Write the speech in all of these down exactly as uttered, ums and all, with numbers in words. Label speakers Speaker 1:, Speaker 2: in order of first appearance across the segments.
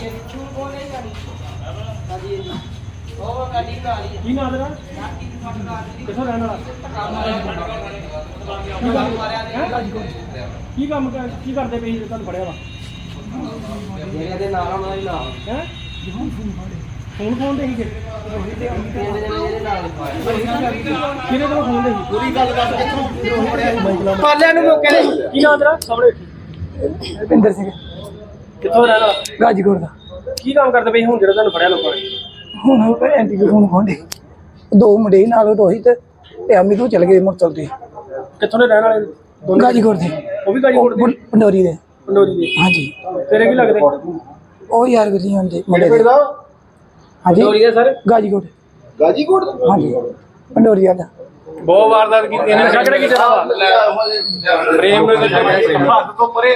Speaker 1: ਕੀ ਨਾਂ ਤੇਰਾ? ਕਿੱਥੋਂ ਰਹਿਣ ਵਾਲਾ? ਕੀ ਕੰਮ ਕਰ ਕੀ ਕਰਦੇ ਪਏ ਸੀ ਤੁਹਾਨੂੰ ਫੜਿਆ ਵਾ?
Speaker 2: ਜਿਹੜੇ ਨਾਲ ਉਹਨਾਂ ਦੇ ਨਾਲ
Speaker 1: ਹੈ ਫੋਨ ਫੋਨ ਦੇ ਸੀਗੇ
Speaker 2: ਇਹਦੇ ਨਾਲ
Speaker 1: ਕਿਹਨੇ ਕੋਲ ਫੋਨ ਦੇ ਸੀ?
Speaker 2: ਪੂਰੀ ਗੱਲ ਦੱਸ ਕਿੱਥੋਂ ਪਾਲਿਆਂ ਨੂੰ ਮੌਕੇ ਦੇ
Speaker 1: ਕੀ ਨਾਂ ਤੇਰਾ? ਸਾਹਮਣੇ
Speaker 3: ਰਵਿੰਦਰ ਸਿੰਘ
Speaker 1: ਕਿੱਥੋਂ ਰਹਿਣ ਵਾਲਾ?
Speaker 3: ਗਾਜੀਕੋਟ ਦਾ।
Speaker 1: ਕੀ ਕੰਮ ਕਰਦੇ ਪਏ ਹੁਣ ਜਿਹੜਾ ਤੁਹਾਨੂੰ ਫੜਿਆ ਲੋਕਾਂ ਨੇ?
Speaker 3: ਹੁਣ ਐਂਟੀ ਫੋਨ ਖੋਂਦੇ ਦੋ ਮੁੰਡੇ ਨਾਲ ਰੋਹਿਤ ਤੇ ਅਮੀ ਤੋਂ ਚਲ ਗਏ ਮੁਰਤਲ ਤੇ
Speaker 1: ਕਿੱਥੋਂ ਦੇ ਰਹਿਣ ਵਾਲੇ ਦੋਨੋਂ?
Speaker 3: ਗਾਜੀਕੋਟ ਦੇ।
Speaker 1: ਉਹ ਵੀ ਗਾਜੀਕੋਟ ਦੇ?
Speaker 3: ਪੰਡੋਰੀ ਦੇ।
Speaker 1: ਪੰਡੋਰੀ ਦੇ।
Speaker 3: ਹਾਂਜੀ
Speaker 1: ਤੇਰੇ ਕੀ ਲੱਗਦੇ?
Speaker 3: ਉਹ ਯਾਰ ਵੀ ਹੁੰਦੇ ਮੁੰਡੇ ਦੇ। ਹਾਂਜੀ
Speaker 1: ਪੰਡੋਰੀ ਦੇ ਸਰ?
Speaker 3: ਗਾਜੀਕੋਟ।
Speaker 2: ਗਾਜੀਕੋਟ ਦਾ?
Speaker 3: ਹਾਂਜੀ ਪੰਡੋਰੀ ਵਾਲਾ।
Speaker 1: ਬਹੁਤ ਵਾਰਦਾਤ ਕੀਤੀ ਇਹਨੇ। ਨਸ਼ਾ ਕਿਹੜਾ ਕੀਤਾ ਵਾ? ਪ੍ਰੇਮ ਨੂੰ ਹੱਥ ਤੋਂ ਪਰੇ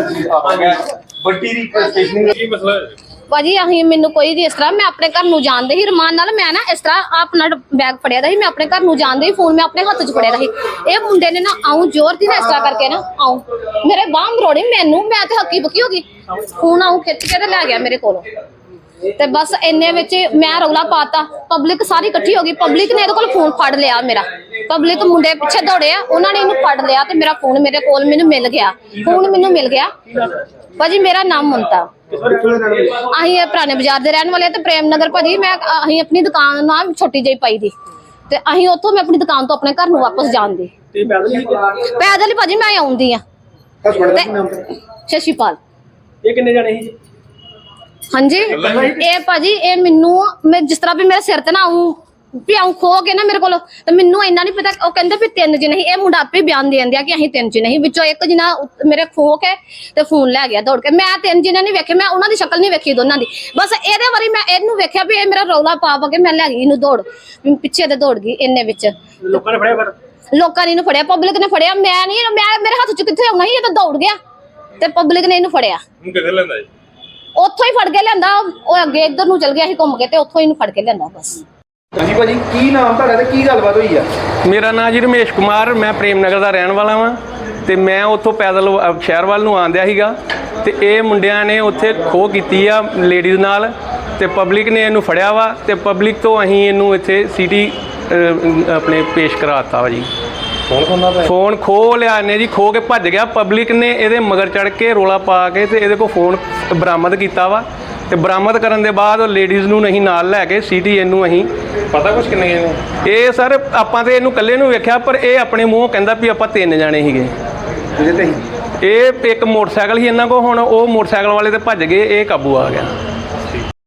Speaker 2: ਵੱਡੀ ਰੀਪਰੈਜ਼ੈਂਟੇਸ਼ਨ
Speaker 1: ਕੀ ਮਸਲਾ ਹੈ?
Speaker 4: ਭਾਜੀ ਅਸੀਂ ਮੈਨੂੰ ਕੋਈ ਵੀ ਇਸ ਤਰ੍ਹਾਂ ਮੈਂ ਆਪਣੇ ਘਰ ਨੂੰ ਜਾਣਦੇ ਹੀ ਰਮਾਨ ਨਾਲ ਮੈਂ ਨਾ ਇਸ ਤਰ੍ਹਾਂ ਆਪਣਾ ਬੈਗ ਫੜਿਆ ਦਾ ਸੀ ਮੈਂ ਆਪਣੇ ਘਰ ਨੂੰ ਜਾਣਦੇ ਹੀ ਫੋਨ ਮੈਂ ਆਪਣੇ ਹੱਥ 'ਚ ਫੜਿਆ ਦਾ ਸੀ ਇਹ ਮੁੰਡੇ ਨੇ ਨਾ ਆਉਂ ਜ਼ੋਰ ਦੀ ਨਾ ਇਸ ਤਰ੍ਹਾਂ ਕਰਕੇ ਨਾ ਆਉਂ ਮੇਰੇ ਬਾਂਹ ਮਰੋੜੀ ਮੈਨੂੰ ਮੈਂ ਤੇ ਹੱਕੀ ਬੁੱਕੀ ਹੋ ਗਈ ਫੋਨ ਆਉਂ ਖਿੱਚ ਕੇ ਤੇ ਲੈ ਗਿਆ ਮੇਰੇ ਕੋਲੋਂ ਤੇ ਬਸ ਇੰਨੇ ਵਿੱਚ ਮੈਂ ਰੌਲਾ ਪਾਤਾ ਪਬਲਿਕ ਸਾਰੀ ਇਕੱਠੀ ਹੋ ਗਈ ਪਬਲਿਕ ਨੇ ਇਹਦੇ ਕੋਲ ਫੋਨ ਫੜ ਲਿਆ ਮੇਰਾ ਪਬਲਿਕ ਮੁੰਡੇ ਪਿੱਛੇ ਦੌੜੇ ਆ ਉਹਨਾਂ ਨੇ ਇਹਨੂੰ ਫੜ ਲਿਆ ਤੇ ਮੇਰਾ ਫੋਨ ਮੇਰੇ ਕੋਲ ਮੈਨੂੰ ਮਿਲ ਗਿਆ ਫੋਨ ਮੈਨੂੰ ਮਿਲ ਗਿਆ ਭਾਜੀ ਮੇਰਾ ਨਾਮ ਮਮਤਾ ਅਸੀਂ ਇਹ ਪੁਰਾਣੇ ਬਾਜ਼ਾਰ ਦੇ ਰਹਿਣ ਵਾਲੇ ਤੇ ਪ੍ਰੇਮ ਨਗਰ ਭਾਜੀ ਮੈਂ ਅਸੀਂ ਆਪਣੀ ਦੁਕਾਨ ਨਾਲ ਛੋਟੀ ਜਿਹੀ ਪਾਈ ਦੀ ਤੇ ਅਸੀਂ ਉੱਥੋਂ ਮੈਂ ਆਪਣੀ ਦੁਕਾਨ ਤੋਂ ਆਪਣੇ ਘਰ ਨੂੰ ਵਾਪਸ ਜਾਣਦੀ
Speaker 1: ਤੇ ਪੈਦਲ ਹੀ?
Speaker 4: ਪੈਦਲ ਹੀ ਭਾਜੀ ਮੈਂ ਆਉਂਦੀ ਆ ਸ਼ਸ਼ੀਪਾਲ।
Speaker 1: ਇਹ ਕਿੰਨੇ ਜਾਣੇ ਸੀ?
Speaker 4: ਹਾਂਜੀ ਇਹ ਭਾਜੀ ਇਹ ਮੈਨੂੰ ਮੈਂ ਜਿਸ ਤਰ੍ਹਾਂ ਵੀ ਮੇਰੇ ਸਿਰ ਤੇ ਨਾ ਆਉਂ ਵੀ ਆਉਂ ਖੋ ਕੇ ਨਾ ਮੇਰੇ ਕੋਲ ਤੇ ਮੈਨੂੰ ਇੰਨਾ ਨਹੀਂ ਪਤਾ ਉਹ ਕਹਿੰਦੇ ਵੀ ਤਿੰਨ ਜਣੇ ਸੀ ਇਹ ਮੁੰਡਾ ਆਪੇ ਬਿਆਨ ਦੇ ਦਿੰਦੇ ਆ ਕਿ ਅਸੀਂ ਤਿੰਨ ਜਣੇ ਸੀ ਵਿੱਚੋਂ ਇੱਕ ਜਣਾ ਮੇਰੇ ਖੋ ਕੇ ਤੇ ਫੋਨ ਲੈ ਗਿਆ ਦੌੜ ਕੇ ਮੈਂ ਤਿੰਨ ਜਣੇ ਨਹੀਂ ਵੇਖੇ ਮੈਂ ਉਹਨਾਂ ਦੀ ਸ਼ਕਲ ਨਹੀਂ ਵੇਖੀ ਦੋਨਾਂ ਦੀ ਬਸ ਇਹਦੇ ਵਾਰੀ ਮੈਂ ਇਹਨੂੰ ਵੇਖਿਆ ਵੀ ਇਹ ਮੇਰਾ ਰੌਲਾ ਪਾ ਪਾ ਕੇ ਮੈਂ ਲੈ ਗਈ ਇਹਨੂੰ ਦੌੜ ਪਿੱਛੇ ਤੇ ਦੌੜ ਗਈ ਇੰਨੇ ਵਿੱਚ
Speaker 1: ਲੋਕਾਂ ਨੇ ਫੜਿਆ ਪਰ
Speaker 4: ਲੋਕਾਂ ਨੇ ਇਹਨੂੰ ਫੜਿਆ ਪਬਲਿਕ ਨੇ ਫੜਿਆ ਮੈਂ ਨਹੀਂ ਮੈਂ ਮੇਰੇ ਹੱਥ 'ਚ ਕਿੱਥੇ ਆਉਣਾ ਸੀ ਇਹ ਤਾਂ ਦੌੜ ਗਿਆ ਤੇ ਪਬਲਿਕ ਨੇ ਇਹਨੂੰ ਫੜਿਆ
Speaker 1: ਹੁਣ ਕਿੱਥੇ ਲੈਂਦਾ ਜੀ?
Speaker 4: ਉੱਥੋਂ ਹੀ ਫੜ ਕੇ ਲਿਆਂਦਾ ਉਹ ਅੱਗੇ ਇੱਧਰ ਨੂੰ ਚਲ ਗਿਆ ਸੀ ਘੁੰਮ ਕੇ ਤੇ ਉੱਥੋਂ ਹੀ ਇਹਨੂੰ ਫੜ ਕੇ ਲਿਆਂਦਾ ਬਸ।
Speaker 2: ਹਾਂਜੀ ਭਾਜੀ ਕੀ ਨਾਮ ਤੁਹਾਡਾ ਤੇ ਕੀ ਗੱਲਬਾਤ ਹੋਈ ਆ?
Speaker 5: ਮੇਰਾ ਨਾਮ ਜੀ ਰਮੇਸ਼ ਕੁਮਾਰ ਮੈਂ ਪ੍ਰੇਮ ਨਗਰ ਦਾ ਰਹਿਣ ਵਾਲਾ ਵਾਂ ਤੇ ਮੈਂ ਉੱਥੋਂ ਪੈਦਲ ਸ਼ਹਿਰ ਵੱਲ ਨੂੰ ਆਉਂਦਿਆ ਸੀਗਾ ਤੇ ਇਹ ਮੁੰਡਿਆਂ ਨੇ ਉੱਥੇ ਖੋਹ ਕੀਤੀ ਆ ਲੇਡੀਜ਼ ਨਾਲ ਤੇ ਪਬਲਿਕ ਨੇ ਇਹਨੂੰ ਫੜਿਆ ਵਾ ਤੇ ਪਬਲਿਕ ਤੋਂ ਅਸੀਂ ਇਹਨੂੰ ਇੱਥੇ ਸਿਟੀ ਆਪਣੇ ਪੇਸ਼ ਕਰਾਤਾ ਵਾ ਜੀ।
Speaker 1: ਫੋਨ ਖੋਂਦਾ ਪਿਆ?
Speaker 5: ਫੋਨ ਖੋਹ ਲਿਆ ਨੇ ਜੀ ਖੋਹ ਕੇ ਭੱਜ ਗਿਆ ਪਬਲਿਕ ਨੇ ਇਹਦੇ ਮਗਰ ਚੜ ਕੇ ਰੋਲਾ ਪਾ ਕੇ ਤੇ ਇਹਦੇ ਕੋਲ ਫੋਨ ਬਰਾਮਦ ਕੀਤਾ ਵਾ ਤੇ ਬਰਾਮਦ ਕਰਨ ਦੇ ਬਾਅਦ ਲੇਡੀਜ਼ ਨੂੰ ਨਹੀਂ ਨਾਲ ਲੈ ਕੇ ਸਿਟੀ ਇਹਨੂੰ ਅਸੀਂ
Speaker 1: ਪਤਾ ਕੁਛ ਕਿੰਨੇ ਗਏ?
Speaker 5: ਇਹ ਸਰ ਆਪਾਂ ਤੇ ਇਹਨੂੰ ਇਕੱਲੇ ਨੂੰ ਵੇਖਿਆ ਪਰ ਇਹ ਆਪਣੇ ਮੂੰਹੋਂ ਕਹਿੰਦਾ ਵੀ ਆਪਾਂ ਤਿੰਨ ਜਾਣੇ ਸੀਗੇ।
Speaker 2: ਜਿਹਦੇ ਤੇ
Speaker 5: ਇਹ ਇੱਕ ਮੋਟਰਸਾਈਕਲ ਸੀ ਇਹਨਾਂ ਕੋਲ ਹੁਣ ਉਹ ਮੋਟਰਸਾਈਕਲ ਵਾਲੇ ਤੇ ਭੱਜ ਗਏ ਇਹ ਕਾਬੂ ਆ ਗਿਆ।